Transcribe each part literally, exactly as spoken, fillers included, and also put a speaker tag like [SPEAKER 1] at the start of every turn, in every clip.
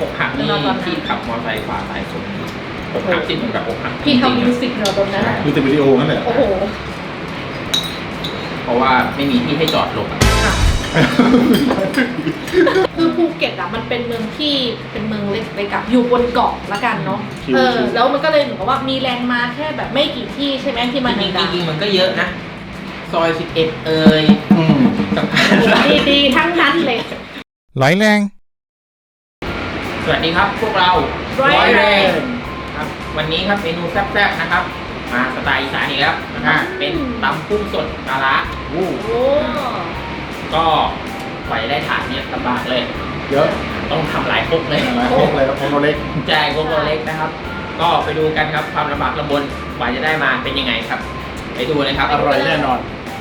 [SPEAKER 1] อกหักนี่ที่ขับมอเตอร์ไซค์ฝ่าสายฝนอกหักที่เหมือนกับอกหัก
[SPEAKER 2] พี่ทำมิวสิกเหรอตรงนั้น
[SPEAKER 3] ดูแต่วิดีโอนั่นแหละ
[SPEAKER 2] โอ้โห
[SPEAKER 1] เพราะว่าไม่มีที่ให้จอดหลบอ่ะ
[SPEAKER 2] คือภูเก็ตอ่ะมันเป็นเมืองที่เป็นเมืองเล็กๆกับอยู่บนเกาะละกันเนาะเออแล้วมันก็เลยเหมือนกับว่ามีแลนด์มาร์คแค่แบบไม่กี่ที่ใช่ไหมที่มัน
[SPEAKER 1] จริง
[SPEAKER 2] ดัง
[SPEAKER 1] ๆมันก็เยอะนะซอยสิบเอ็ดเอ่ย
[SPEAKER 3] อืม
[SPEAKER 1] สะพาน
[SPEAKER 2] ๆดีๆทั้งนั้นเลย
[SPEAKER 4] ไหลแรง
[SPEAKER 1] สวัสดีครับพวกเรา
[SPEAKER 2] ร้อยแรง
[SPEAKER 1] ครับวันนี้ครับเมนูแซ่บๆนะครับ มาสไตล์อีสานอีกแล้วนะครับเป็นตำกุ้งสดปลาร้า
[SPEAKER 3] โอ้
[SPEAKER 2] โอ้
[SPEAKER 1] ก็กว่าจะได้ถาดเนี้ยลำบากเลย
[SPEAKER 3] เยอะ
[SPEAKER 1] ต้องทำหลายครกเลย
[SPEAKER 3] หลายพวกเลยครับพวกเราเล็ก
[SPEAKER 1] แจกครกตัวเล็กนะครับ ก็ไปดูกันครับความลำบากลำบนกว่าจะได้มาเป็นยังไงครับ ไปดูเลยครับ
[SPEAKER 3] อร่อยแน่นอน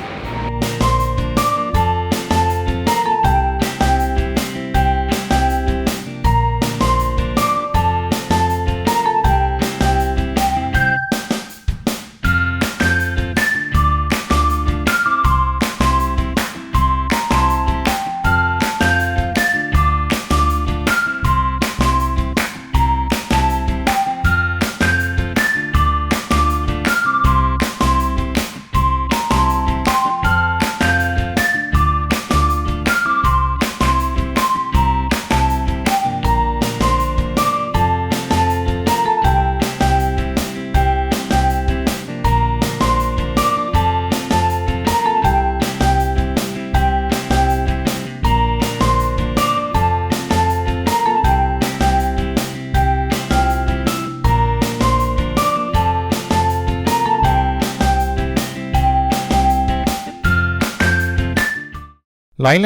[SPEAKER 4] ไหลแรง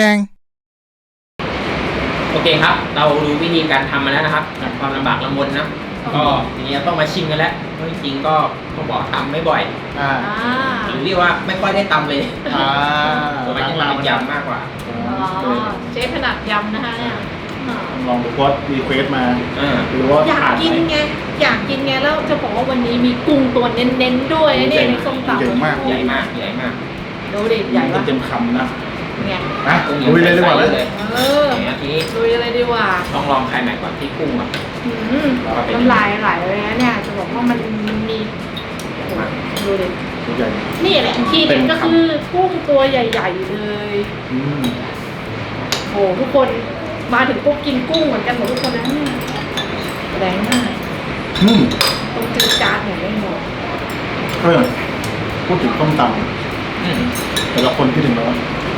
[SPEAKER 1] โอเคครับ เราดูวิธีการทำมาแล้วนะครับจากความลำบากลำบนนะก็ทีนี้ต้องมาชิมกันแล้วเพราะจริงๆก็ต้องบอกทำไม่บ่อย
[SPEAKER 3] อ่า
[SPEAKER 2] อ่า
[SPEAKER 1] หรือเรียกว่าไม่ค่อยได้ตำเลย
[SPEAKER 3] อ่า
[SPEAKER 1] ส่วนมากจะเป็นยำมากกว่า
[SPEAKER 2] อ๋อเชฟขนาดยำนะคะเนี่ยอ่า
[SPEAKER 3] ลองดูโพสต์รีเควสมา
[SPEAKER 1] เออ
[SPEAKER 3] หรือว่า
[SPEAKER 2] อยาก
[SPEAKER 3] ผ่าน
[SPEAKER 2] กิน
[SPEAKER 3] ไหม
[SPEAKER 2] ไงอยากกินไงแล้วจะบอกว่าวันนี้มีกุ้งตัวเน้นๆด้วยนะเนี่ยในส้มตำ
[SPEAKER 3] ใหญ่มาก
[SPEAKER 1] ใหญ่มากใหญ่มาก
[SPEAKER 2] ดูดิใหญ่ปะ
[SPEAKER 3] เต็มคำนะ
[SPEAKER 2] ไง
[SPEAKER 3] อ่ะลุยเลยดีกว่าเลย
[SPEAKER 1] เลย
[SPEAKER 2] เออ
[SPEAKER 1] อย่างเงี้ยทีนี้
[SPEAKER 2] ลุยอะไรดีกว่า
[SPEAKER 1] ต้องลองไข่ใหม่ก่อนที่กุ้งอ่ะ
[SPEAKER 2] อืมน้ำลายไหลเลยนะเนี่ยจะบอกว่ามันมีดูดิ
[SPEAKER 3] ใหญ่
[SPEAKER 2] นี่แหละที่เด็ดก็คือกุ้งตัวใหญ่ๆเลย
[SPEAKER 3] อืม
[SPEAKER 2] โอ้ทุกคนมาถึงปุ๊บกินกุ้งเหมือนกันหมดทุกคนนะเนี่ยแรงมาก
[SPEAKER 3] อืม
[SPEAKER 2] ต้องกินจานอย่างไม่หมด
[SPEAKER 3] เออพูดถึงต้มต
[SPEAKER 1] อืม
[SPEAKER 3] ำแต่ละคนคิดถึงแล้ว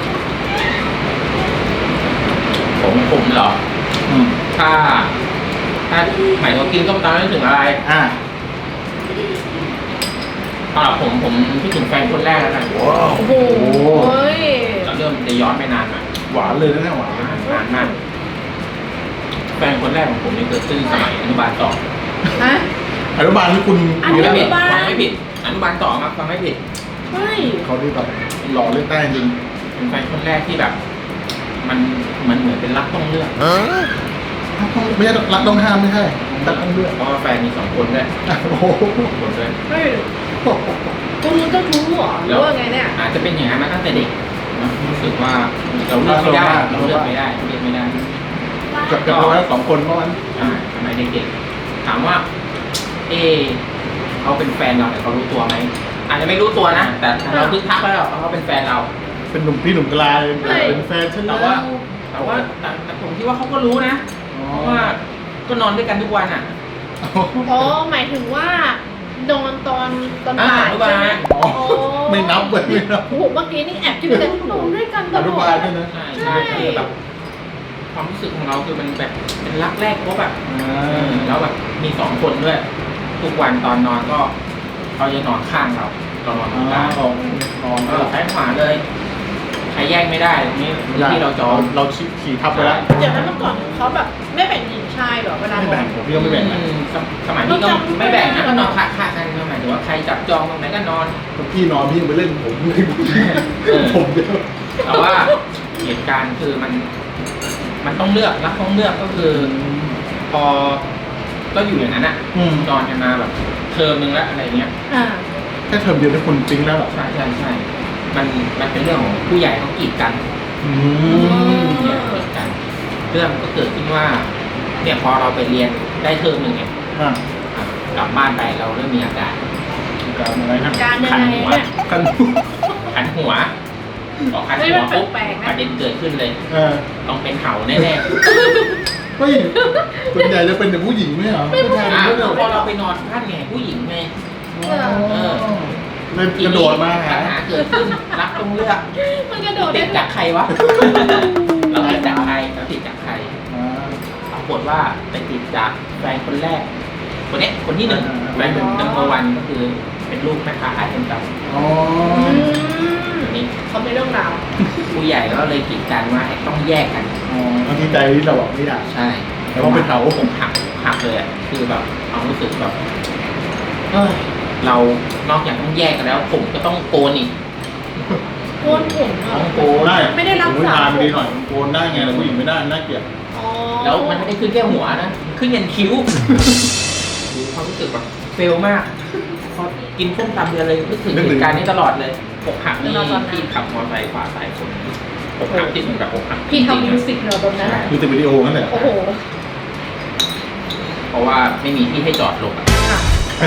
[SPEAKER 1] ผมผมเหรอ
[SPEAKER 3] อืม
[SPEAKER 1] ถ้า ถ้าหมายถึงกินส้มตำนึกถึงอะไร
[SPEAKER 3] อ่า
[SPEAKER 1] สำหรับผมผมคิดถึงแฟนคนแรกแล้วกัน
[SPEAKER 3] ว้าว
[SPEAKER 2] โอ้โหเฮ้ย
[SPEAKER 1] เราเริ่มจะย้อนไปนานมา
[SPEAKER 3] หวานเลยนะเนี่ยหวาน
[SPEAKER 1] นานนานมากแฟนคนแรกของผมนี่เกิดขึ้นสมัยอนุบาลสอง
[SPEAKER 2] ฮะ
[SPEAKER 3] อนุบาลที่คุณ
[SPEAKER 2] อนุ
[SPEAKER 3] มีแล้ว
[SPEAKER 2] บาล
[SPEAKER 1] ฟังไม่ผิดอนุบาลสองครับฟังไม่ผิด
[SPEAKER 2] เฮ้ย
[SPEAKER 3] เขาที่แบบหล่อเลือกได้จริง
[SPEAKER 1] เป็นแฟนคนแรกที่แบบ มันมันเหมือนเป็นรักต้องเลือก
[SPEAKER 3] ไม่ใช่รักต้องห้ามไม่ใช่รักต้องเลือก
[SPEAKER 1] เพราะว่าแฟนมีสองคนด้วย
[SPEAKER 3] โอ้โห
[SPEAKER 1] สองคนด้วย
[SPEAKER 2] เฮ้ยคุณรู้ก็รู้เหรอหรือว่าไงเนี่ย
[SPEAKER 1] อาจจะเป็นอย่างนั้นมาตั้งแต่เด็กนะรู้สึกว่าเราเลือกไม่ได้เราเลือกไม่ได้เลือกไม่ได้
[SPEAKER 3] กับกับเราสองคนเมื่อวัน
[SPEAKER 1] อ่าสมัยเด็กๆถามว่า เออเขาเป็นแฟนเราแต่เขารู้ตัวไหมอาจจะไม่รู้ตัวนะแต่เราคึกทักแล้วว่าเขาเป็นแฟนเรา
[SPEAKER 3] เป็นหนุ่มพี่หนุ่มกลายเป็นแฟนฉัน
[SPEAKER 1] แต่
[SPEAKER 3] แล้ว
[SPEAKER 1] ว่า แต่ว่าแต่แต่ผมคิดว่าเขาก็รู้นะเพราะว่าก็นอนด้วยกันทุกวันอ่ะ
[SPEAKER 2] อ๋อหมายถึงว่าโดนตอนตอน
[SPEAKER 1] อ่า
[SPEAKER 2] บ่าย
[SPEAKER 1] อนุบาล
[SPEAKER 2] ใช่ไหม
[SPEAKER 3] อ๋อไม่นับเว้ยไม่นับ
[SPEAKER 2] โอ้โหเมื่อกี้นี่แอบคิดเลยโดนด้วยกันต
[SPEAKER 3] อ
[SPEAKER 2] ล
[SPEAKER 3] นุ
[SPEAKER 2] อด
[SPEAKER 3] บาลด้วยนะ
[SPEAKER 1] ใช่ใช่คือแบบความรู้สึกของเราคือมันแบบเป็นรักแรกพบแบบ
[SPEAKER 3] อ่า
[SPEAKER 1] แล้วแบบมีสองคนด้วย ทุกวันตอนนอนก็เขาจะนอนข้างเราเรานอนตรงกลาง
[SPEAKER 3] ของของ
[SPEAKER 1] เออซ้ายขวาเลยใครแยกไม่ได้ตรงนี้ที่เราจอง
[SPEAKER 3] เราขี่ทับไปแล้ว
[SPEAKER 2] เดี๋ยวนั้นเมื่อก่อนเขาแบบไม่แบ่งหญิงชายเหรอเวลา
[SPEAKER 3] ไม่แบ่งผมพี่ก็ไม่แบ่งนะ
[SPEAKER 1] อืมสมสมัยนี้ก็ไม่แบ่งนะก็นอนคละๆกันหมายถึงว่าใครจับจองตรงไหนก็นอน
[SPEAKER 3] พี่นอนพี่ไปเล่นผมไม่
[SPEAKER 1] เออ
[SPEAKER 3] ผมเดียว
[SPEAKER 1] แต่ว่าเหตุการณ์คือมัน มันต้องเลือกรักต้องเลือกก็คือ พอก็อยู่อย่างนั้นอ่ะ
[SPEAKER 3] อืม
[SPEAKER 1] นอนกันมาแบบเทอมนึงแล้วอะไรเงี้ย
[SPEAKER 2] อ่า
[SPEAKER 3] แค่เทอมเดียวได้คนจริงแล้วเหรอ
[SPEAKER 1] ใช่ใช่ใช่มันมันเป็นเรื่องของผู้ใหญ่เขากีดกัน
[SPEAKER 3] อืม
[SPEAKER 1] เนี่ยกีดกัน เรื่องก็เกิดขึ้นว่าเนี่ยพอเราไปเรียนได้เทอมหนึ่งเนี่ย
[SPEAKER 3] อ่ะ
[SPEAKER 1] อ่ะกลับบ้านไปเราเริ่มมีอาการ
[SPEAKER 3] การอะไรนะ
[SPEAKER 2] การยัง
[SPEAKER 1] คัน
[SPEAKER 2] ไง
[SPEAKER 1] หัว
[SPEAKER 2] เนี่ย
[SPEAKER 3] กัน
[SPEAKER 1] คันหัวพอคัน
[SPEAKER 2] เฮ้ย
[SPEAKER 1] หัว
[SPEAKER 2] มัน
[SPEAKER 1] ปุ๊บ
[SPEAKER 2] แปลกๆนะ
[SPEAKER 1] ประเด็นเกิดขึ้นเลย
[SPEAKER 3] เออ
[SPEAKER 1] ต้องเป็นเห่าแน่
[SPEAKER 3] เฮ้ยส่วนใหญ่จะเป็นแต่ผู้หญิงไม่เหรอผู้ชาย
[SPEAKER 1] ๆ
[SPEAKER 3] เป็น
[SPEAKER 1] อ่ะ
[SPEAKER 3] ด้วยเหรอ
[SPEAKER 1] พอเราไปนอนบ้านไงผู้หญิงไง
[SPEAKER 3] เออเลยกระโดดมาหา
[SPEAKER 1] ปัญหาเกิดขึ้นรักต้องเลือก
[SPEAKER 2] มันกระโดด
[SPEAKER 1] ติ
[SPEAKER 2] ได้
[SPEAKER 1] ดจากใครวะ เราติดจากใครเราติดจากใคร
[SPEAKER 3] อ่า
[SPEAKER 1] ปรากฏว่าไปติดจากแฟนคนแรก คนเนี้ยคนที่หนึ่ง
[SPEAKER 3] อ่า
[SPEAKER 1] แฟนนัมเบอร์วันก็คือเป็นลูกแม่ค้าขายส้มตำ
[SPEAKER 3] อ๋อ
[SPEAKER 2] อืม
[SPEAKER 1] นี่
[SPEAKER 2] เขาไม่เรื่องราว
[SPEAKER 1] ผู้ใหญ่ก็เลยกีดกันว่าต้องแยกกัน
[SPEAKER 3] อ๋อทั้งที่ใจที่เราบอกไม่อยาก
[SPEAKER 1] ใช่
[SPEAKER 3] แล้วก็เป็นเห่า
[SPEAKER 1] ผมหักหักเลยอ่ะคือแบบความรู้สึกแบบเอ้ยเรานอกจากต้องแยกกันแล้ว ผมก็ต้องโกนอีก
[SPEAKER 2] โกนผมเหร
[SPEAKER 1] ต้
[SPEAKER 2] อ
[SPEAKER 1] องโกน
[SPEAKER 3] ได้
[SPEAKER 2] ไม่ได้รักษา
[SPEAKER 3] ผู้ชายไม่ดีหน่อยโกนได้ไงแต่ผู้หญิงไม่ได้น่าเกลียด
[SPEAKER 2] อ๋อ
[SPEAKER 1] แล้วมันไม่ได้ขึ้นแค่หัวนะขึ้นยันคิ้วคือความรู้สึกแบบเฟลมากพอกินส้มตำเดือนเลยนึกถึงเหตุการณ์นี้ตลอดเลยอกหักนี่ที่ขับมอเตอร์ไซค์ฝ่าสายฝนอกหักที่เหมือนกับอกหัก
[SPEAKER 2] พี่ทำ
[SPEAKER 1] จริง
[SPEAKER 2] มิว
[SPEAKER 1] ๆ
[SPEAKER 2] สิกเหรอตรงนั้นอะ
[SPEAKER 3] ดูแต่วิดีโอนั่นแหละ
[SPEAKER 2] โอ้โห
[SPEAKER 1] เพราะว่าไม่มีที่ให้จอดลงอะ
[SPEAKER 2] อ่ะ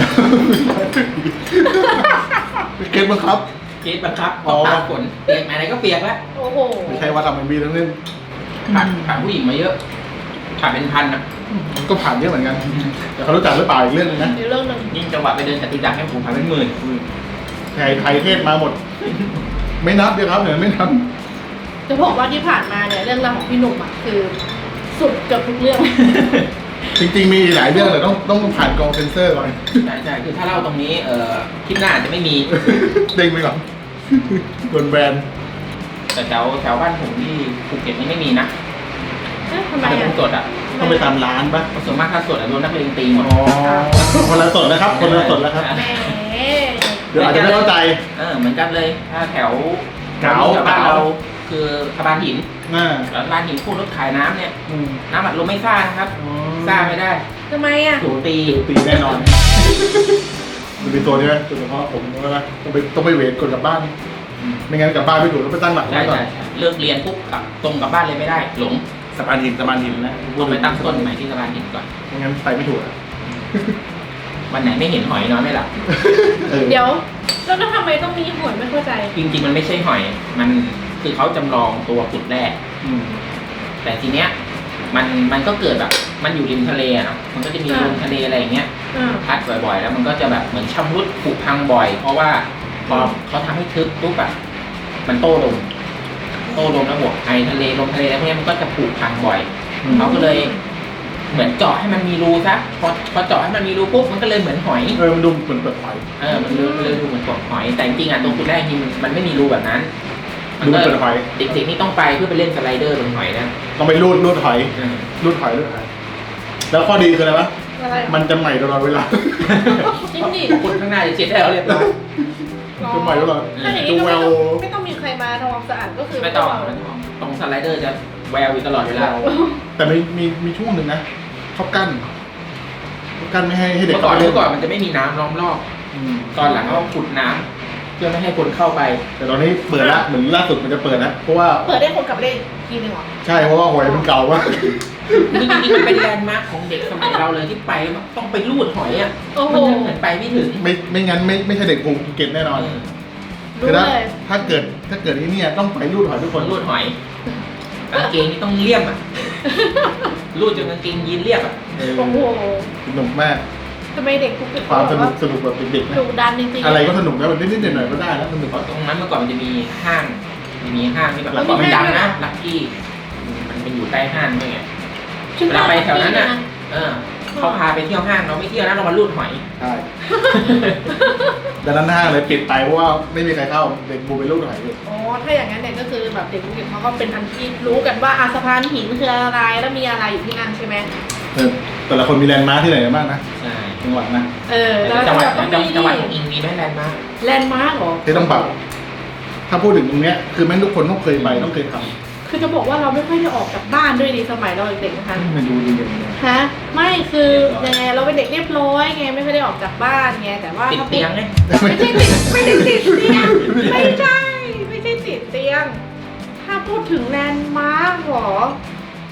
[SPEAKER 3] เก็ตบังคับ
[SPEAKER 1] เกตบังคับพ
[SPEAKER 3] อ๋
[SPEAKER 1] อ
[SPEAKER 3] อ
[SPEAKER 1] ตากฝนเปียกอะไรก็เปียกแล้ว
[SPEAKER 2] โอ้โห
[SPEAKER 3] ไม่ใช่ว่าทำเป็นบีทั้งนั้น
[SPEAKER 1] ผ่านผ่านผู้หญิงมาเยอะผ่านเป็นพันอ่ะ
[SPEAKER 3] มันก็ผ่านเยอะเหมือนกัน แต่เขารู้จักหรือเปล่าอีกเรื่องหนึงนะ
[SPEAKER 2] อีกเรื่องหนึ่ง
[SPEAKER 1] ยิ่งจังหวะไปเดินจตุจักรให้ผมผ่านเป็นหมื่น
[SPEAKER 3] ไทยไทยเทศมาหมด ไม่นับเดียวครับเดี๋ยวไม่นับ
[SPEAKER 2] จะบอกว่าที่ผ่านมาเนี่ยเรื่องราวของพี่หนุ่มอ่ะคือ สุดเกือบทุกเรื่อง
[SPEAKER 3] จริงๆมีหลายเรื่องแต่ต้องต้องผ่านกองเซนเซอร์ก่อน
[SPEAKER 1] ใช่ใช่คือถ้าเล่าตรงนี้เอ่อคลิปหน้าอาจจะไม่มี
[SPEAKER 3] เด้งไปก่อนโดนแบน
[SPEAKER 1] แต่แถวแถวบ้านผมที่ภูเก็ตนี่ไม่มีนะ
[SPEAKER 2] เอ๊ะทำไม
[SPEAKER 1] ถ้าเป็น
[SPEAKER 2] อ่ะ
[SPEAKER 1] สดอ่ะ
[SPEAKER 3] ต้องไปตามร้านปะ
[SPEAKER 1] เพราะส่วนมากถ้าสดอ่ะโดนนักเลงตีหมด
[SPEAKER 3] อ๋อคนละสดนะครับ คนละสดแล้วครับ
[SPEAKER 2] แหม
[SPEAKER 3] เดี๋ยวอาจจะไม่เข้าใจ
[SPEAKER 1] เออเหมือนกันเลยถ้าแถว
[SPEAKER 3] เก๋า
[SPEAKER 1] แถวบ้านเราคือสะพานหิน
[SPEAKER 3] น่า
[SPEAKER 1] แล้วร้านหินพูดรถขายน้ำเนี่ย
[SPEAKER 3] อืม
[SPEAKER 1] น้ำอัดลมไม่ซ่านะครับซ่าไม่ได้
[SPEAKER 2] ทำไมอ่ะ
[SPEAKER 1] ถูกตี
[SPEAKER 3] ตีแน่นอนมันเป็นตัวนี้ไหมตัวเฉพาะผมใช่ไหมต้องไปต้องไปเวทกดกลับบ้าน ไม่งั้นกลับบ้านไม่ถูกต้องไปตั้งหลัก
[SPEAKER 1] ใช่
[SPEAKER 3] ไว้ก่อน
[SPEAKER 1] ใช่ใช่เลิกเรียนปุ๊บกลับตรงกลับบ้านเลยไม่ได้ หลง
[SPEAKER 3] สะพานหินสะพานหินนะ
[SPEAKER 1] ต้องไปตั้งต้นใหม่ที่สะพานหินก่อน
[SPEAKER 3] ไม่งั้นไปไม่ถูกอะ
[SPEAKER 1] วันไหนไม่เห็นหอยนอนไม่หลับ
[SPEAKER 3] ออ
[SPEAKER 2] เดี๋ยวแล้วทำไมต้องมีหวยไม่เข้าใจ
[SPEAKER 1] จริงๆมันไม่ใช่หอย มันคือเขาจำลองตัวขุดแร่
[SPEAKER 3] อืม
[SPEAKER 1] แต่ทีเนี้ยมันมันก็เกิดแบบมันอยู่ริมทะเลอะเนาะมันก็จะมี
[SPEAKER 2] อ่า
[SPEAKER 1] ลมทะเลอะไรอย่างเงี้ย
[SPEAKER 2] อ่า
[SPEAKER 1] พัดบ่อยๆ แล้วมันก็จะแบบเหมือนชำรุดผุพังบ่อย เพราะว่าพอเขาทำให้ทึบปุ๊บอะมันโต้ลมโต้ลมแล้วบวกไอทะเลลมทะเลแล้วพวกเนี้ยมันก็จะผุพังบ่อย เขาก็เลยเหมือนเจาะให้มันมีรูซะพอพอเจาะให้มันมีรูปุ๊บมันก็เลยเหมือนหอย
[SPEAKER 3] เออมันดูเหมือนเปิดไฟ
[SPEAKER 1] เออมันเลยมันเลยดูเหมือนกบหอย แต่จริงๆอ่ะตรงจุดแรกจริงๆมันไม่มีรูแบบนั้น
[SPEAKER 3] ดูเหมือนเปิดไฟ
[SPEAKER 1] เด็กๆนี่ต้องไปเพื่อไปเล่นสไลเดอร์บนหอยนะ
[SPEAKER 3] ต้องไปรูดรูดหอย
[SPEAKER 1] อืม
[SPEAKER 3] รูดหอยรูดหอยแล้วข้อดีคืออะไรวะ
[SPEAKER 2] อะไรอ่ะ
[SPEAKER 3] มันจะใหม่ตลอดเวลา
[SPEAKER 2] จริงดิ
[SPEAKER 1] คนข้างหน้าจะเช็ดได้แล้วเรียบร้อย
[SPEAKER 3] จะใหม่ตลอด
[SPEAKER 2] ถ้าอย่างนี้
[SPEAKER 3] จะ
[SPEAKER 2] ก็
[SPEAKER 3] แว
[SPEAKER 2] ไม่
[SPEAKER 3] ว
[SPEAKER 2] ต้องไม่ต้องมีใครมาทำความสะอาดก็คือ
[SPEAKER 1] ไม่ต้อง
[SPEAKER 2] พวก
[SPEAKER 1] ไม่
[SPEAKER 2] เรา
[SPEAKER 1] ต้องตรงสไลเดอร์จะแววอยู่ตลอดเวลา
[SPEAKER 3] แต่มีมีมีช่วงหนึ่งนะเขากั้นเขากั้นไม่ให้ให้เด็ก
[SPEAKER 1] เมื่อก่อน
[SPEAKER 3] ข้าไป
[SPEAKER 1] เมื่อก่อนมันจะไม่มีน้ำล้อมรอบ
[SPEAKER 3] อืม
[SPEAKER 1] ตอนหลังเขาขุดน้ำเพื่อไม่ให้คนเข้าไป
[SPEAKER 3] แต่ตอนนี้เปิดละเหมือนล่าสุดมันจะเปิดนะเพราะว่า
[SPEAKER 2] เปิดได้คนกลับเล่นทีนึงเหรอ
[SPEAKER 3] ใช่เพราะว่าหอยมันเก่ามาก
[SPEAKER 1] จริงๆมันเป็นแลนด์มาร์คของเด็กสมัยเราเลยที่ไปต้องไปลูดหอยอ่ะ
[SPEAKER 2] โอ้โห
[SPEAKER 1] มันเหมือนไปไม่ถึง
[SPEAKER 3] ไม่ไม่งั้นไม่ไม่ใช่เด็กภูเก็ตแน่นอน
[SPEAKER 1] เออ
[SPEAKER 2] รู้
[SPEAKER 3] คือถ้า
[SPEAKER 2] เลย
[SPEAKER 3] ถ้าเกิดถ้าเกิดที่เนี่ยต้องไปรูดหอยทุก
[SPEAKER 1] ค
[SPEAKER 3] คน น
[SPEAKER 1] ลูดหอยกางเกงนี่ต้องเลี่ยมอ่ะลูดจนกางเกงยีนเรียบอ่ะ
[SPEAKER 3] เออ
[SPEAKER 2] โอ้โห
[SPEAKER 3] สนุกมาก
[SPEAKER 2] ทำไมเด็กภูเก็ต
[SPEAKER 3] ความสนุก
[SPEAKER 2] แบบ
[SPEAKER 3] สนุกแบบเด็กๆนะ
[SPEAKER 2] ดุดันจริงๆ
[SPEAKER 3] อะไรก็สนุกนะมันนิดๆหน่อยๆก็ได้แล้วสนุก
[SPEAKER 1] เพราะตรงนั้นเมื่อก่อนมันจะมีห้างมันมีห้างที่แบบ
[SPEAKER 3] แล้ว
[SPEAKER 1] เมื่อก่อนมัน
[SPEAKER 2] มี
[SPEAKER 1] ดัง
[SPEAKER 2] ห้างด้วย
[SPEAKER 1] นะ
[SPEAKER 2] นะ
[SPEAKER 1] ลักกี้มันเป็นอยู่ใต้ห้างด้วยไง
[SPEAKER 2] ชื่อ
[SPEAKER 1] เวลาไปแถวนั้น
[SPEAKER 2] น่ะ
[SPEAKER 1] น่ะเออเขาพาไปเที่ยวห้างเราไม่เที่ยวนะเรามาลูดหอย
[SPEAKER 3] ใช่ดังนั้นห้างเลยปิดไปเพราะว่าไม่มีใครเข้าเด็กบูไปรูดหอยอยู่
[SPEAKER 2] อ๋อถ้าอย่างนั้นเนี่ยก็คือแบบเด็กภูเก็ตเขาก็เป็นอันที่รู้กันว่าอาสะพานหินคืออะไรแล้วมีอะไรอยู่ที่นั่นใช่ไหม
[SPEAKER 3] เออแต่ละคนมีแลนด์มาร์คที่ไหนกันบ้างนะ
[SPEAKER 1] ใช่
[SPEAKER 3] จังหวัดนะ
[SPEAKER 2] เออ
[SPEAKER 1] แต่
[SPEAKER 2] แล้ว
[SPEAKER 1] จังหวัด
[SPEAKER 2] ต้อง
[SPEAKER 1] จัง
[SPEAKER 2] มี
[SPEAKER 1] จังหวัดของอิงมีไหมแลนด์มาร์ค
[SPEAKER 2] แลนด์มาร์กเหรอ
[SPEAKER 3] ที่ต้องปรับถ้าพูดถึงตรงเนี้ยคือแม่งทุกคนต้องเคยไปต้องเคยท
[SPEAKER 2] คือจะบอกว่าเราไม่ค่อยได้ออกจากบ้านด้วยดีสมัยเราเด็กๆนะคะ
[SPEAKER 3] ำมันดูดีอย่างเงี้ย
[SPEAKER 2] ฮะไม่คือยังไงเราเป็นเด็กเรียบร้อยไงไม่ค่อยได้ออกจากบ้านไงแต่ว่า
[SPEAKER 1] ติด
[SPEAKER 2] ถ้าพู
[SPEAKER 1] เตี
[SPEAKER 2] ด
[SPEAKER 1] ยงไง
[SPEAKER 2] ไม่ใช่ติดไม่ได้ติดเตียงไม่ใช่ไม่ใช่ติดเตียง ถ้าพูดถึงแลนด์มาร์กเหรอ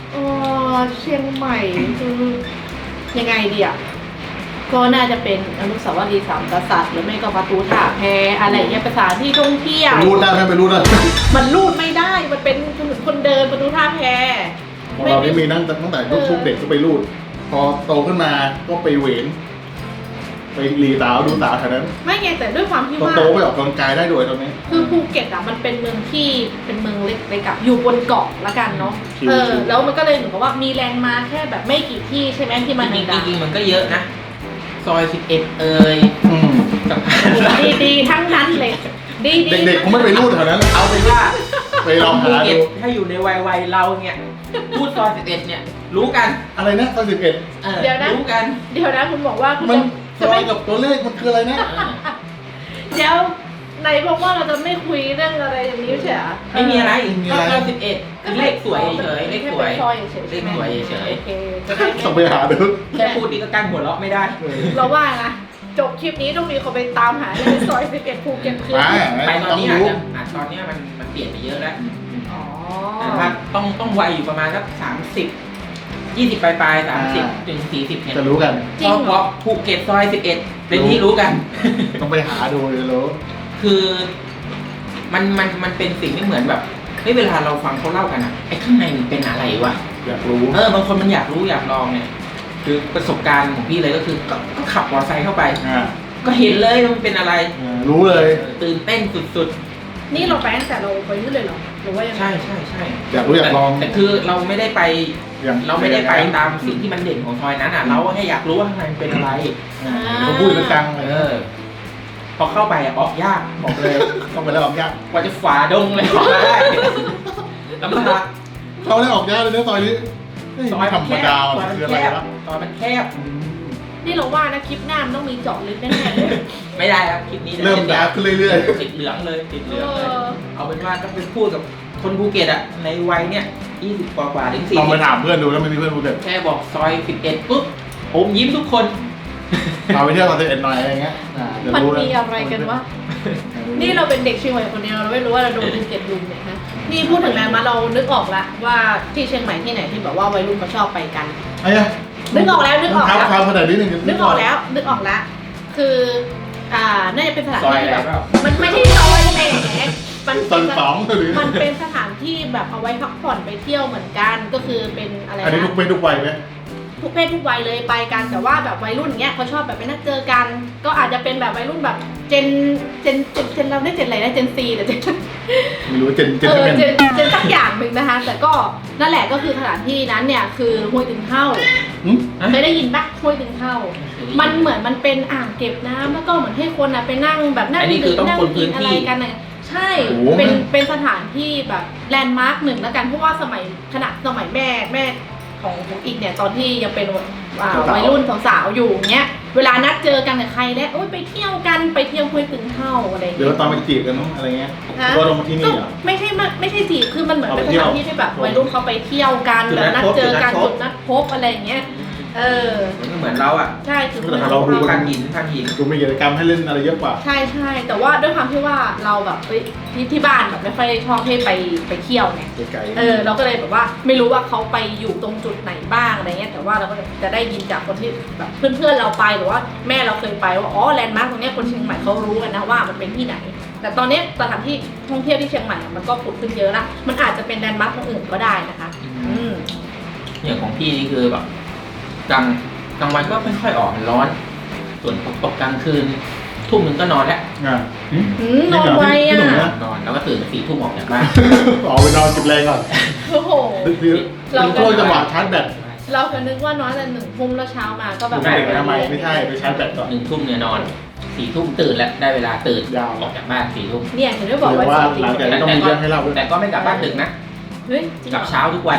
[SPEAKER 2] เออเชียงใหม่คือยังไงดีอ่ะก็น่าจะเป็นอนุสาวรีย์สามกษัตริย์หรือไม่ก็ประตูท่าแพอะไรเงี้ยเป็นสถานที่ท่องเที่ยว
[SPEAKER 3] ไปรูดได้ไหมไปรูดได้
[SPEAKER 2] มันรูดไม่ได้ มันเป็นถนนคนเดินประตูท่าแพ
[SPEAKER 3] ของเรานี่มีนั่งตั้งแต่ลูกๆเด็กก็ไปรูด พอโตขึ้นมาก็ไปเหวนไปรีสาวดูสาวแถวนั้น
[SPEAKER 2] ไม่ไงแต่ด้วยความที่
[SPEAKER 3] พอ
[SPEAKER 2] ว่า
[SPEAKER 3] โตไปออกกำลังกายได้ด้วยตอนนี้
[SPEAKER 2] คือภูเก็ตอ่ะมันเป็นเมืองที่เป็นเมืองเล็กๆกับอยู่บนเกาะละกันเนาะ
[SPEAKER 3] ชิวๆ
[SPEAKER 2] เออแล้วมันก็เลยเหมือนกับว่ามีแลนด์มาร์คแค่แบบไม่กี่ที่ใช่ไหมที่มัน
[SPEAKER 1] จริง
[SPEAKER 2] ดั
[SPEAKER 1] ๆ
[SPEAKER 2] ง
[SPEAKER 1] จริงๆมันก็เยอะนะ ซอยสิบเอ็ดเอ่ย
[SPEAKER 3] อืม
[SPEAKER 1] สะพาน
[SPEAKER 2] ๆดีๆทั้งนั้นเลยดีๆ
[SPEAKER 3] เด็กๆคงไม่ไปรูดแถวนั้น
[SPEAKER 1] เอาเป็นว่า
[SPEAKER 3] ไปลอง
[SPEAKER 1] ภู
[SPEAKER 3] หา
[SPEAKER 1] เก็
[SPEAKER 3] ดู
[SPEAKER 1] ตถ้าอยู่ในวัยวัยเราเนี่ยพูดซอยสิบเอ็ดเนี่ย รู้กัน
[SPEAKER 3] อะไรนะซอยสิบเอ็ด
[SPEAKER 1] เออรู้กัน
[SPEAKER 2] เดี๋ยวนะคุณบอกว่าคุณ
[SPEAKER 3] มัน
[SPEAKER 2] จะ
[SPEAKER 3] ซ
[SPEAKER 2] จะ
[SPEAKER 3] อ
[SPEAKER 2] ไม่
[SPEAKER 3] ยกับตัวเลขมันคืออะไรนะ
[SPEAKER 1] เออ
[SPEAKER 2] เดี๋ยวไหนบอกว่าเราจะไม่คุยเรื่องอะไรอย่างนี้ใช่ไหม
[SPEAKER 1] ไม่มีอะไร
[SPEAKER 3] ไม่มี
[SPEAKER 1] ก็
[SPEAKER 3] อะไร
[SPEAKER 1] ซอยสิบเอ็ดเลขสวยเฉยๆเลขสวย
[SPEAKER 2] แค่เป็นซอยเฉยๆ
[SPEAKER 1] เลขสวยเฉย
[SPEAKER 2] โอเคจะได้
[SPEAKER 3] ต้องไป
[SPEAKER 2] ไม่
[SPEAKER 3] หาดู
[SPEAKER 1] แค่พูดนี่ก็กั้นหัวเราะไม่ได้
[SPEAKER 2] เราว่านะจบคลิปนี้ต้องมีคนไปตามหาในซอยสิบเอ็ดภูเก็ตคือ
[SPEAKER 3] มา
[SPEAKER 1] ไปตอน
[SPEAKER 3] ต้อง
[SPEAKER 1] นี้อาจ
[SPEAKER 3] รู้
[SPEAKER 1] จะอาจตอนเนี้ยมันมันเปลี่ยนไปเยอะแล้ว
[SPEAKER 2] อ๋อ
[SPEAKER 1] แต่ว่าต้องต้องวัยอยู่ประมาณสักสามสิบยี่สิบปลายปลายสามสิบถึงสี่สิบเนี่ย
[SPEAKER 3] จะรู้กัน
[SPEAKER 2] จริง
[SPEAKER 1] เพ
[SPEAKER 2] เหรอ
[SPEAKER 1] ราะภูเก็ตซอยสิบเอ็ดเป็นที่รู้กัน
[SPEAKER 3] ต้องไปหาดูจะรู้
[SPEAKER 1] คือมันมันมันเป็นสิ่งที่เหมือนแบบเฮ้ยเวลาเราฟังเขาเล่ากันอะไอ้ข้างในมันเป็นอะไรวะ
[SPEAKER 3] อยากรู้
[SPEAKER 1] เออบางคนมันอยากรู้อยากลองเนี่ย คือประสบการณ์ของพี่เลยก็คือก็ก็ขับมอเตอร์ไซค์เข้าไป
[SPEAKER 3] อ่า
[SPEAKER 1] ก็เห็นเลยว่ามันเป็นอะไร
[SPEAKER 3] อ่ารู้เลย
[SPEAKER 1] เออตื่นเต้นสุด
[SPEAKER 2] นี่เราไปตั้งแต่เราไปนู่นเลยเหรอหรือว่ายัง
[SPEAKER 1] ๆ
[SPEAKER 2] ไง
[SPEAKER 1] ใช่ใช่ใช่
[SPEAKER 3] อยากรู้อยากลอง
[SPEAKER 1] แต่แต่คือเราไม่ได้ไป
[SPEAKER 3] อย่าง
[SPEAKER 1] เราไม่ได้ไปตามสิ่งที่มันเด่นของซอยนั้นอ่ะ เราแค่อยากรู้ว่าข้างในมันเป็นอะไร
[SPEAKER 3] อ่าเขาพูดกันจังเลย
[SPEAKER 1] เออ พอเข้าไปอะออกยากบอกเลย
[SPEAKER 3] ต้องไปแล้วออกยาก
[SPEAKER 1] กว่าจะฝ่าดงเลยออกมาได้ลำบาก
[SPEAKER 3] เขาได้ออกยากเลยนะซอยนี้เฮ้ย
[SPEAKER 1] ซอย
[SPEAKER 3] ไม่ธรรมดา
[SPEAKER 1] ซ
[SPEAKER 3] มั
[SPEAKER 1] อย
[SPEAKER 3] น
[SPEAKER 1] มัน
[SPEAKER 3] คืออะ
[SPEAKER 1] แค
[SPEAKER 3] ไร
[SPEAKER 1] บ
[SPEAKER 3] วะ
[SPEAKER 1] ซอยมันแคบ
[SPEAKER 3] อืม
[SPEAKER 2] นี่เราว่านะคลิปหน้ามันต้องมีเจาะลึกแน่ๆเลย
[SPEAKER 1] ไม่ได้ครับคลิปนี้
[SPEAKER 3] เริ่มยากขึ้นเรื่อย
[SPEAKER 1] ติดเหลืองเลยติดเหลืองเลย
[SPEAKER 2] เออ
[SPEAKER 1] เอาเป็นว่าต้องไปพูดกับคนภูเก็ตอะในวัยเนี้ยยี่สิบกว่ากว่าถึง
[SPEAKER 3] ๆ
[SPEAKER 1] สี่
[SPEAKER 3] ลอง
[SPEAKER 1] สิ
[SPEAKER 3] ไป
[SPEAKER 1] บ
[SPEAKER 3] ถามเพื่อนดูแล้วไม่มีเพื่อนภูเก็ต
[SPEAKER 1] แค่บอกซอยสิบเอ็ดปุ๊บผมยิ้มทุกคน
[SPEAKER 3] เราไปเที่ยวซอยสิบเอ็ดหน่อยอะไรเงี้ยอ่าจะ
[SPEAKER 2] มัน
[SPEAKER 3] รู้
[SPEAKER 2] มีอะไรกันวะ นี่เราเป็นเด็กเชียงใหม่คนเดียวเราไม่รู้ว่าเราโดนภูเก็ตลุมเนี่ยฮะ นี่พูดถึงแลนด์มาร์คเรานึกออกละว่าที่เชียงใหม่ที่ไหนที่แบบว่าวัยรุ่นเขาชอบไปกัน
[SPEAKER 3] ไอ้เนี่ย
[SPEAKER 2] นึกออกแล้วนึกออก
[SPEAKER 3] เท้า
[SPEAKER 2] แล้ว
[SPEAKER 3] เท้าขนาดนี้หนึ่ง
[SPEAKER 2] นึกออกแล้วนึกออกแล้ว คืออ่าน่าจะเป็นสถาน
[SPEAKER 1] ซอย
[SPEAKER 2] ที่
[SPEAKER 1] อะไร
[SPEAKER 2] แบบ
[SPEAKER 1] เปล่า
[SPEAKER 2] มันไม่ใช่ซอยแหมมัน
[SPEAKER 3] ตอน
[SPEAKER 2] เป็น
[SPEAKER 3] สองหรือ
[SPEAKER 2] มันเป็นสถานที่แบบเอาไว้พักผ่อนไปเที่ยวเหมือนกันก็คือเป็นอะไร
[SPEAKER 3] อันนี้ทุก
[SPEAKER 2] นะ
[SPEAKER 3] เพศทุกวัยไหม
[SPEAKER 2] ทุกเพศทุกวัยเลยไปกันแต่ว่าแบบวัยรุ่นเนี้ยเขาชอบแบบไปนัดเจอกัน ก็อาจจะเป็นแบบวัยรุ่นแบบเจนเจนเจนเจนเราได้เจนอะไรนะเจนซีหรือเจน
[SPEAKER 3] ไม่รู้เจนเจน
[SPEAKER 2] เออ
[SPEAKER 3] เป็น
[SPEAKER 2] เจนเจนสักอย่างหนึ่งนะคะ แต่ก็นั่นแหละก็คือสถานที่นั้นเนี่ยคือห้วยตึงเท่า
[SPEAKER 3] หืม
[SPEAKER 2] เคยได้ยินปะห้วยตึงเท่า มันเหมือนมันเป็นอ่างเก็บน้ำแล้วก็เหมือนให้คนอ่ะไปนั่งแบบนั่ง
[SPEAKER 1] อันนี้คือต้อง
[SPEAKER 2] นั่ง
[SPEAKER 1] คนพื้
[SPEAKER 2] กิ
[SPEAKER 1] น
[SPEAKER 2] น
[SPEAKER 1] ที่
[SPEAKER 2] อะไรกันน่ะใช่เป็นเป็นสถานที่แบบแลนด์มาร์คหนึ่งแล้วกันเพราะว่าสมัยขณะสมัยแม่แม่ของของอีกเนี่ยตอนที่ยังเป็นอ่าวัยรุ่นสาวๆอยู่เงี้ยเวลานัดเจอกันกับใครแล้วโอ๊ยไปเที่ยวกันไปเที่ยวห้วยตึงเท่าอะไรอย่าง
[SPEAKER 3] เดี๋ยว
[SPEAKER 2] เงี้ย
[SPEAKER 3] ตอนไปจีบกันเนอะอะไรเงี้ย
[SPEAKER 2] ฮะ
[SPEAKER 3] ก็ลงมาที่นี่เหรอ
[SPEAKER 2] ไม่ใช่ไม่ไม่ใช่จีบคือมันเหมือนเป็น
[SPEAKER 3] เอา
[SPEAKER 2] ส
[SPEAKER 3] ไปเที่ยว
[SPEAKER 2] ถานที่ที่แบบวัยรุ่นเขาไปเที่ยวกัน
[SPEAKER 1] จุด
[SPEAKER 2] แบบ
[SPEAKER 1] นั
[SPEAKER 2] นั
[SPEAKER 1] ด
[SPEAKER 2] ด
[SPEAKER 1] พบ
[SPEAKER 2] เจอกัน
[SPEAKER 1] จุ
[SPEAKER 2] จุ
[SPEAKER 1] ด
[SPEAKER 2] ด
[SPEAKER 1] นั
[SPEAKER 2] นั
[SPEAKER 1] ด
[SPEAKER 2] ด
[SPEAKER 1] พ
[SPEAKER 2] พบอะไรอย่างเงี้ยเออ
[SPEAKER 1] มันก็เหมือนเราอ่ะ
[SPEAKER 2] ใช่คือ
[SPEAKER 3] แต่เราดู
[SPEAKER 1] ทางหินทางหิน
[SPEAKER 3] ดูมีกิจกรรมให้เล่นอะไรเยอะกว่า
[SPEAKER 2] ใช่ใช่แต่ว่าด้วยความที่ว่าเราแบบเอ้ยที่ที่บ้านแบบไม่ค่อยชอบให้ไปไปเที่ยวไง
[SPEAKER 3] ไกลๆ
[SPEAKER 2] เออเราก็เลยแบบว่าไม่รู้ว่าเขาไปอยู่ตรงจุดไหนบ้างอะไรเงี้ยแต่ว่าเราก็จะได้ยินจากคนที่แบบเพื่อนๆเราไปหรือว่าแม่เราเคยไปว่าอ๋อแลนด์มาร์คตรงเนี้ยคนเชียงใหม่เขารู้กันนะว่ามันเป็นที่ไหน แต่ตอนเนี้ยสถานที่ท่องเที่ยวที่เชียงใหม่อะมันก็ผุดขึ้นเยอะละมันอาจจะเป็นแลนด์มาร์คตรงอื่นก็ได้นะคะ อืม
[SPEAKER 1] อย่างของพี่นี่คือแบบกลางกลางวันก็ไม่ค่อยออกมันร้อน ส่วนตกตกกลางคืนทุ่มหนึ่งก็นอนแล้ว
[SPEAKER 3] อ่ะหืม
[SPEAKER 2] อืมนอนไว
[SPEAKER 3] พี่
[SPEAKER 2] อ่ะ
[SPEAKER 3] หนุ่มนะ
[SPEAKER 1] นอนแล้วก็ตื่นสี่ทุ่มออกจากบ้าน
[SPEAKER 3] ออกไปนอนจุดแรงก่อน
[SPEAKER 2] โอ้โห
[SPEAKER 3] คือ
[SPEAKER 2] เรา
[SPEAKER 3] เราก็จังหวะชาร์จแบต
[SPEAKER 2] เราก็นึกว่าน้อยแต่หนึ่งทุ่มแล้วเช้ามาก็แบบ
[SPEAKER 3] ไม่ได้ทำไมไม่ใช่ไปชาร์จแบตก่อน
[SPEAKER 1] หนึ่งทุ่มเนี่ยนอนสี่ทุ่มตื่นแล้วได้เวลาตื่น
[SPEAKER 3] ยาว
[SPEAKER 1] ออกจากบ้านสี่ทุ่ม
[SPEAKER 2] เนี่ยถึงได้บอก
[SPEAKER 3] หรือ
[SPEAKER 2] ว่า
[SPEAKER 3] ว่า
[SPEAKER 2] จริง
[SPEAKER 3] หลังจากนี้ต้องมีเรื่องให้เล่าด้วย
[SPEAKER 1] แต่ก็ไม่กลับบ้านดึกนะ
[SPEAKER 2] เฮ้ยจริง
[SPEAKER 1] ก
[SPEAKER 2] เหร
[SPEAKER 1] ลับ
[SPEAKER 2] อ
[SPEAKER 1] เช้าทุกวัน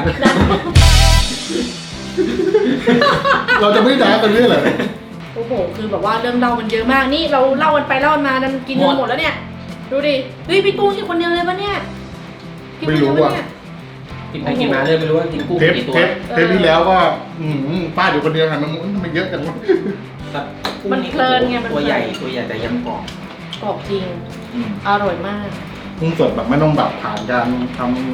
[SPEAKER 3] เราจะไม่ด่ากันเรื่องเหรอ
[SPEAKER 2] โอ้โห คือแบบว่าเรื่องเล่ามันเยอะมาก นี่เราเล่ากันไปเล่ากันมามันกินเงินหมดแล้วเนี่ย ดูดิ เฮ้ยพี่กุ้งกินคนเดียวเลยปะเนี่ยกินคนเดียวปะเนี่ย
[SPEAKER 1] กินไปกินมาเลยไม่รู้ว่ากินกุ้ง
[SPEAKER 3] เทป
[SPEAKER 1] กี่ตัว
[SPEAKER 3] เทปเทปที่แล้วก็อืมป้าอยู่คนเดียวหันมาทำไมเยอะจังวะ
[SPEAKER 1] สัตว์กุ้ง
[SPEAKER 2] มันเพลินไงมันเพลิน
[SPEAKER 1] ตัวใหญ่ตัวใหญ่แต่ยังกรอบ
[SPEAKER 2] กรอบจริง
[SPEAKER 1] อืม
[SPEAKER 2] อร่อยมาก
[SPEAKER 3] กุ้งสดแบบไม่ต้องแบบผ่านการทำ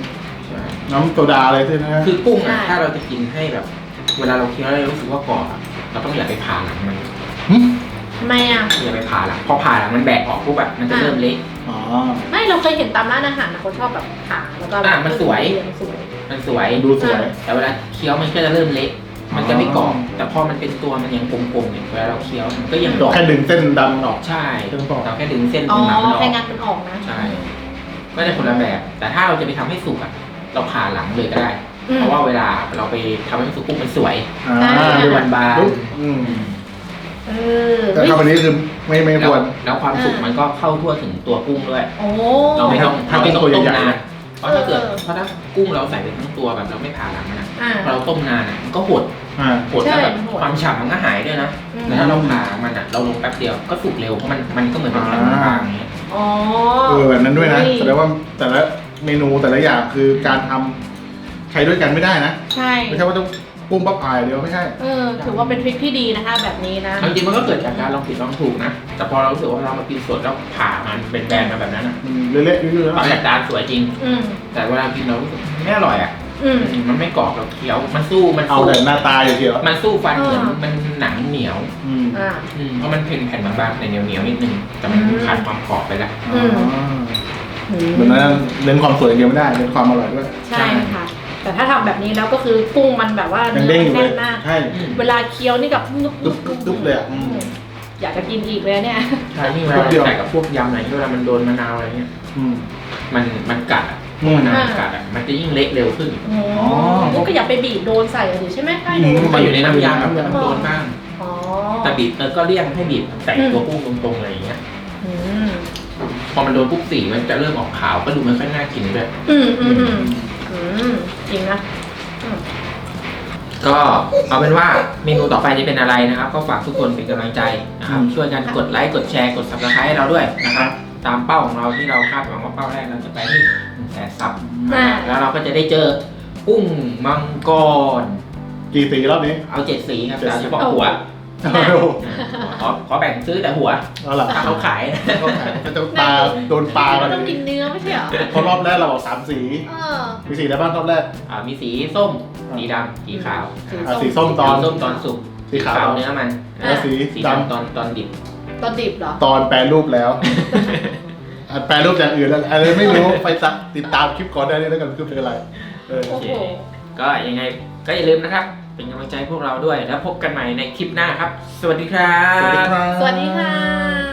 [SPEAKER 1] ใช่
[SPEAKER 3] น้ำโซดาอะไรใช่ไหม
[SPEAKER 1] คือกุ้งอ่ะ
[SPEAKER 2] ใช่
[SPEAKER 1] ถ้าเราจะกินให้แบบ เวลาเราเคี้ยวแล้วเรารู้สึกว่ากรอบอะเราต้องอย่าไปผ่าหลังมัน
[SPEAKER 2] ทำไมอ่ะ
[SPEAKER 1] อย่าไปผ่าหลังพอผ่าหลังมันแบกออกปุ๊บแบบมันจะเริ่มเละ
[SPEAKER 3] อ๋อ
[SPEAKER 2] ไม่เราเคยเห็นตามร้านอาหารนะเขาชอบแบบผ่าแล้วก็
[SPEAKER 1] อ่ะมันสวย
[SPEAKER 2] สวย
[SPEAKER 1] มันสวย
[SPEAKER 3] ดูสวย
[SPEAKER 1] แต่เวลาเคี้ยวมันก็จะเริ่มเละมันจะไม่กรอบ
[SPEAKER 3] อ๋อ
[SPEAKER 1] แต่พอมันเป็นตัวมันยังกลมๆเนี่ยเวลาเราเคี้ยวมันก็ยัง
[SPEAKER 3] แค่ดึงเส้นดำออก
[SPEAKER 1] ใช่
[SPEAKER 3] เส้นกรอบ
[SPEAKER 1] เราแค่ดึงเส้น
[SPEAKER 2] อ๋อ
[SPEAKER 1] ตรงหนังมันออ
[SPEAKER 2] แค่
[SPEAKER 1] ก
[SPEAKER 2] งานมันออกนะ
[SPEAKER 1] ใช่ ก็จะคนละแบบ แต่ถ้าเราจะไปทำให้สุกอ่ะ เราผ่าหลังเลยก็ได้
[SPEAKER 2] อืม
[SPEAKER 1] เพราะว่าเวลาเราไปทำให้มันสุกปุ๊บมันสวย
[SPEAKER 3] อ่า
[SPEAKER 2] ใช่
[SPEAKER 1] ดูบานบาน
[SPEAKER 3] ปุ๊บอืม
[SPEAKER 2] เออ
[SPEAKER 3] แต่ทำอันนี้คือไม่ไม่
[SPEAKER 1] แล้
[SPEAKER 3] คว วร
[SPEAKER 1] แล้วความสุกมันก็เข้าทั่วถึงตัวกุ้งด้วย
[SPEAKER 2] โอ้
[SPEAKER 1] เราไม่ต้อง
[SPEAKER 3] ถ้า
[SPEAKER 1] เรา
[SPEAKER 3] เป็
[SPEAKER 1] ไม่
[SPEAKER 3] น
[SPEAKER 1] ต้อง
[SPEAKER 3] ตัว
[SPEAKER 1] ต้ม
[SPEAKER 3] ใหญ่ๆ
[SPEAKER 1] นาน
[SPEAKER 3] นะ
[SPEAKER 1] เพราะถ้าเกิด
[SPEAKER 2] เออ
[SPEAKER 1] เพราะถ้ากุ้งเราใส่ไปทั้งตัวแบบเราไม่ผ่าหลังมันอะ
[SPEAKER 2] อ่า
[SPEAKER 1] พอเราต้มนานอะมันก็หด
[SPEAKER 3] อ่า
[SPEAKER 1] หดแล้วแบบ
[SPEAKER 2] ใช่มันหด
[SPEAKER 1] ความฉ่ำมันก็หายด้วยนะ
[SPEAKER 2] อืม
[SPEAKER 1] แต่ถ้าเราผ่ามันอะเราลงแป๊บเดียวก็สุกเร็วเพราะมันมันก็เหมือนเป็นแผ่นบางๆอย่างเงี้ย
[SPEAKER 2] อ๋อ
[SPEAKER 3] เออแบบนั้นด้วยนะ
[SPEAKER 2] เฮ้ย
[SPEAKER 3] แสดงว่าแต่ละเมนูแต่ละอย่างคือการทำใช้ด้วยกันไม่ได้นะ
[SPEAKER 2] ใช่
[SPEAKER 3] ไม่ใช่ว่าต้องปุ้มปั๊บอายเดียวไม่ใช่
[SPEAKER 2] เออถือว่าเป็นทริคที่ดีนะคะ แบบนี้นะ
[SPEAKER 1] จริงๆมันก็เกิดจากการลองผิดลองถูกนะ แต่พอเรารู้สึกว่าเรามากินสดแล้วผ่ามันเป็นแบนมาแบบนั้นอะ
[SPEAKER 3] มันเละๆยืดๆแล้ว
[SPEAKER 1] ตอนแรกจานสวยจริง
[SPEAKER 2] อืม
[SPEAKER 1] แต่เวลากินเรารู้สึกไม่อร่อยอ่ะ
[SPEAKER 2] อืม
[SPEAKER 1] มันไม่กรอบเราเคี้ยว มันสู้ มัน
[SPEAKER 3] เอา
[SPEAKER 1] สู้
[SPEAKER 3] แต่หน้าตาอย่างเดียว
[SPEAKER 1] มันสู้ฟันเหมือน
[SPEAKER 2] อ่ามั
[SPEAKER 1] มันหนังเหนียว
[SPEAKER 3] อืม
[SPEAKER 2] อ่า
[SPEAKER 1] อืมเพราะมันเป็นแผ่นบางๆแต่เหนียวเหนียวๆนิดนึง แต่มัน
[SPEAKER 2] อืม
[SPEAKER 1] ขาดความกรอบไปแล้ว
[SPEAKER 2] อืม
[SPEAKER 3] อ๋อเหมือนนั้นเน้นความสวยอย่างเดียวไม่ได้เน้นความอร่อยด้วย
[SPEAKER 2] ใช่ค่ะ แต่ถ้าทำแบบนี้แล้วก็คือกุ้งมันแบบว่า
[SPEAKER 3] ยัง
[SPEAKER 2] เนื้
[SPEAKER 3] เด้
[SPEAKER 2] อง
[SPEAKER 3] อยู่เล
[SPEAKER 2] แน่
[SPEAKER 3] ย
[SPEAKER 2] นมาก
[SPEAKER 3] ใช่
[SPEAKER 1] อืม
[SPEAKER 2] เวลาเคี้ยวนี่กับนุบ
[SPEAKER 3] ดุ๊บดุ๊บดุ๊บเลยอะอืม
[SPEAKER 2] อยากจะกินอีกเลยเนี่ย
[SPEAKER 1] ใช่นี่เวลา
[SPEAKER 3] เดียว
[SPEAKER 1] ใส่กับพวกยำอะไรที่เวลามันโดนมะนาวอะไรเงี้ย
[SPEAKER 3] อืม
[SPEAKER 1] มัน มันกัดอ่ะ
[SPEAKER 3] อืม
[SPEAKER 1] มะนาวกัดอ่ะ มันจะยิ่งเละเร็วขึ้น
[SPEAKER 2] โอ้นี่ก็อย่าไปบีบโดนใส่อะดิใช่ไหมใช่
[SPEAKER 3] อื
[SPEAKER 2] โด
[SPEAKER 3] ม
[SPEAKER 2] น
[SPEAKER 1] มันอยู่ในน้ำยำแบบมันโดนบ้าง
[SPEAKER 2] อ๋อ
[SPEAKER 1] แต่บีบเออก็เลี่ยงให้บีบใส่
[SPEAKER 2] อืม
[SPEAKER 1] ตัวกุ้งตรงๆอะไรอย่างเงี้ย
[SPEAKER 2] อืม
[SPEAKER 1] พอมันโดนปุ๊บสีมันจะเริ่มออกขาวก็ดูไม่ค่อยน่ากินด้วย
[SPEAKER 2] อืมอืมอืมอืมจริงนะอืม
[SPEAKER 1] ก็เอาเป็นว่าเมนูต่อไปจะเป็นอะไรนะครับ ก็ฝากทุกคนเป็นกำลังใจนะครับ
[SPEAKER 3] อืม
[SPEAKER 1] ช่วยกันกดไลค์กดแชร์กด ซับสไครบ์ ให้เราด้วยนะครับ ตามเป้าของเราที่เราคาดหวังว่าเป้าแรกเราจะไปที่หนึ่งแสนซับ
[SPEAKER 2] อ่า
[SPEAKER 1] แล้วเราก็จะได้เจอกุ้งมังกร
[SPEAKER 3] กี่สีรอบนี้
[SPEAKER 1] เอาเจ็ดสีครับ
[SPEAKER 3] เจ็ด
[SPEAKER 1] แต่
[SPEAKER 3] สี
[SPEAKER 1] เฉพาะหัว
[SPEAKER 3] โอ้โห
[SPEAKER 1] ขอขอแบ่งซื้อแต่หัว
[SPEAKER 3] เอาล่ะ
[SPEAKER 1] ถ้าเขาขาย
[SPEAKER 3] เขาขายเขาจะปลาโดนปลา
[SPEAKER 2] เรา
[SPEAKER 3] กัน
[SPEAKER 2] ต้องกินเนื้อไม่ใช่เหรอ
[SPEAKER 3] เพราะรอบแรกเราบอกสามสี
[SPEAKER 2] เออ
[SPEAKER 3] มีสีอะไรบ้างรอบแรก
[SPEAKER 1] อ่ามีสีส้มสีดำสีขาว
[SPEAKER 2] สี
[SPEAKER 3] อ่ะสีส้มต
[SPEAKER 1] ต
[SPEAKER 3] อ
[SPEAKER 1] อน นส้มตอนสุก
[SPEAKER 3] สีขาว
[SPEAKER 1] เนื้อมัน
[SPEAKER 3] แล้วสี
[SPEAKER 1] สี
[SPEAKER 3] ด
[SPEAKER 1] ดำตอนตอนดิบ
[SPEAKER 2] ตอนดิบเหรอ
[SPEAKER 3] ำตอนแปรรูปแล้วอ่ะแปรรูปอย่างอื่นแล้วอะไรไม่รู้ไปสักติดตามคลิปก่อนได้เลยแล้วกันคือเป็นอะไรเออ
[SPEAKER 2] โอ้โห
[SPEAKER 1] ก็ยังไงก็อย่าลืมนะครับ เป็นกำลังใจให้พวกเราด้วย แล้วพบกันใหม่ในคลิปหน้าครับ สวัสดีครับ
[SPEAKER 3] สวัสดีครับ
[SPEAKER 2] สวัสดีค่ะ